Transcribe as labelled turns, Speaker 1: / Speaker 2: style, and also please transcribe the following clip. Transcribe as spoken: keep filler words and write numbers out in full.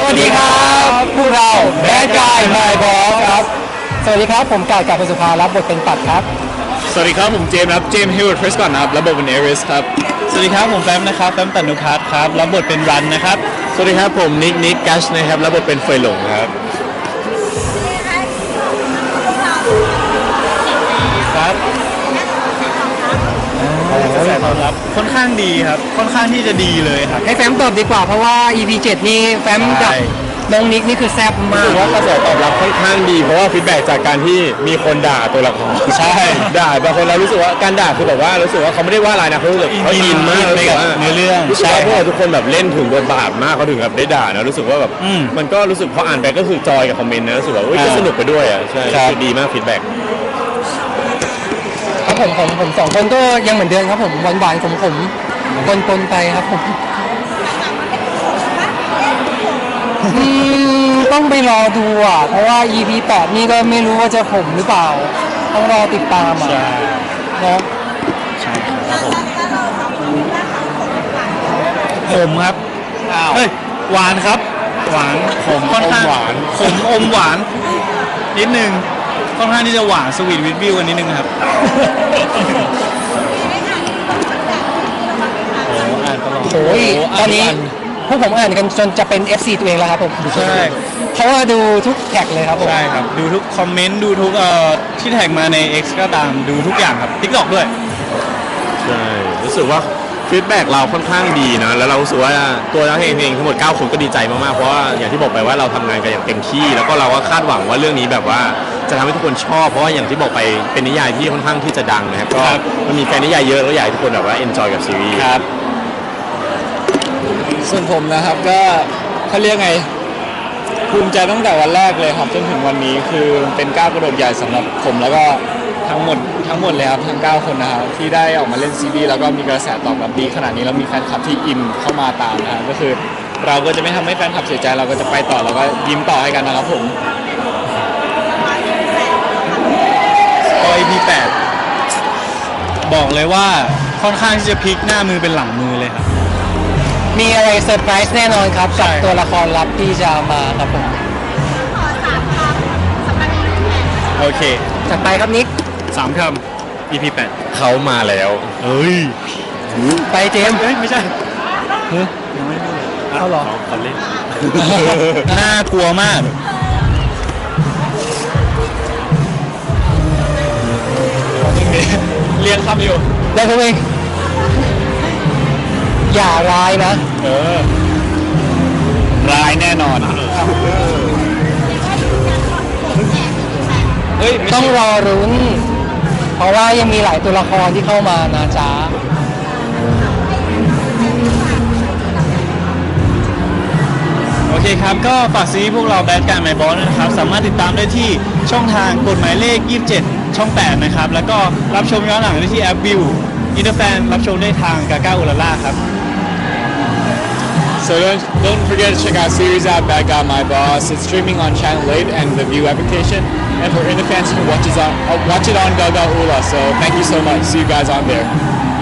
Speaker 1: วัสดีครับพวกเราแบดกายไมบอสครับสวัสดีครับผมกายกับพสุภารับบทเป็นปัดครับ
Speaker 2: สวัสดีครับผมเจมส์ครับเจมส์เฮเวิร์ดเพรสก่อนนะครับรับบทเป็นเอริสครับ
Speaker 3: สวัสดีครับผมแฟมนะครับแฟมตันุพัฒน์ครับรับบทเป็นรันนะครับ
Speaker 2: สวัสดีครับผมนิกนิกกัชนะครับรับบทเป็นเฟยหลงครับ
Speaker 3: ครับกระแสตอบรับค่อนข้างดีครับค่อนข้างที่จะดีเลยครับ
Speaker 1: ให้แฟมตอบดีกว่าเพราะว่า อี พี เจ็ดนี่แฟมกับน้องนิกนี่คือแซ่บมาก
Speaker 2: รู้สึกว่ากระแสตอบรับค่อนข้างดีเพราะว่าฟีดแบ็กจากการที่มีคนด่าตัวละคร
Speaker 3: ใช่
Speaker 2: ด่าบางคนเรารู้สึกว่าการด่าคือแบบว่ารู้สึกว่าเขาไม่ได้ว่าอะไรนะเขารู้สึกเขาอินมาก
Speaker 3: เลยกับเนื้อเรื่อง
Speaker 2: รู้สึกว่าพวกเราทุกคนแบบเล่นถึงบทบาทมากเขาถึงแบบได้ด่านะรู้สึกว่าแบบมันก็รู้สึกพออ่านไปก็คือจอยกับคอมเมนต์นะรู้สึกว่าก็สนุกไปด้วยอ่ะใช่ดีมากฟีดแบ็ก
Speaker 1: ครับผมผมผมสองคนก็ยังเหมือนเดิมครับผมหวานหวานขมขมปนปนไปครับผมต้องไปรอดูอ่ะเพราะว่า อี พี แปดนี่ก็ไม่รู้ว่าจะขมหรือเปล่าต้องรอติดตามอ่ะเนาะ
Speaker 3: ใช่ครับผมขมครับเฮ้ยหวานครับหวานขมค่อนข้าง
Speaker 2: หวาน
Speaker 3: ขมอมหวานนิดนึงค่อนข้างที่จะหวานสวีทวิทวิวกันนิดนึงครับโอ้อ่านตลอด
Speaker 1: โอ้ยตอนนี้พวกผมอ่านกันจนจะเป็น เอฟ ซี ตัวเองแล้วครับผม
Speaker 3: ใช่
Speaker 1: เพราะว่าดูทุกแท็กเลยครับผม
Speaker 3: ใช่ครับดูทุกคอมเมนต์ดูทุกเอ่อที่แท็กมาใน X ก็ตามดูทุกอย่างครับ TikTok ด้วย
Speaker 2: ใช่รู้สึกว่าฟีดแบ็กเราค่อนข้างดีนะแล้วเรารู้สึกว่าตัวเราเองเองทั้งหมดเก้าคนก็ดีใจมากๆเพราะว่าอย่างที่บอกไปว่าเราทำงานกันอย่างเต็มที่แล้วก็เราก็คาดหวังว่าเรื่องนี้แบบว่าจะทำให้ทุกคนชอบเพราะว่าอย่างที่บอกไปเป็นนิยายที่ค่อนข้างที่จะดังนะครับก็มันมีแฟนนิยายเยอะแล้วอยากให้ทุกคนแบบว่าเอนจอยกับซีรีส์
Speaker 3: ครับส่วนผมนะครับก็เขาเรียกไงภูมิใจตั้งแต่วันแรกเลยครับจนถึงวันนี้คือเป็นก้าวกระโดดใหญ่สำหรับผมแล้วก็ทั้งหมดทั้งหมดเลยครับทั้งเก้าคนนะครับที่ได้ออกมาเล่นซีรีส์แล้วก็มีกระแสตอบรับดีขนาดนี้แล้วมีแฟนคลับที่อินเข้ามาตามนะครับก็คือเราก็จะไม่ทำให้แฟนคลับเสียใจเราก็จะไปต่อแล้วก็ยิ้มต่อให้กันนะครับผมโอ อี พี แปดบอกเลยว่าค่อนข้างที่จะพลิกหน้ามือเป็นหลังมือเลยครับ
Speaker 1: มีอะไรเซอร์ไพรส์แน่นอนครับกับตัวละครลับที่จะมาครับผม
Speaker 3: โอเค
Speaker 1: จัดไปครับนิก
Speaker 3: สามคำ อี พี แปด
Speaker 2: เขามาแล้ว
Speaker 3: เฮ้ย
Speaker 1: ไปเจมส์
Speaker 3: เฮ้ยไม่ใช่
Speaker 1: เฮ้ย
Speaker 3: ยังไม่พูด
Speaker 1: เขาหรอ
Speaker 3: เขาเล่นน่ากลัวมากเรียนคำอยู่
Speaker 1: ได้ครับเองอย่าร้ายนะ
Speaker 3: เออร้ายแน่นอนเฮ้ย
Speaker 1: ต้องรอรุ้นเพราะว่ายังมีหลายตัวละครที่เข้ามานะจ๊ะ
Speaker 3: โอเคครับก็ฝากซีรีส์พวกเราแบดการ์ไมบอสนะครับสามารถติดตามได้ที่ช่องทางกฎหมายเลขยี่สิบเจ็ดช่องแปดนะครับแล้วก็รับชมย้อนหลังได้ที่แอปวิวอินเตอร์แฟนรับชมได้ทางกาก้าอุลาล่าครับ
Speaker 2: So don't, don't forget to check out series out Bad Guy My Boss. It's streaming on Channel eight and the View application. And for Indie fans, you can watch it on, uh, watch it on Gaga Ula. So thank you so much. See you guys on there.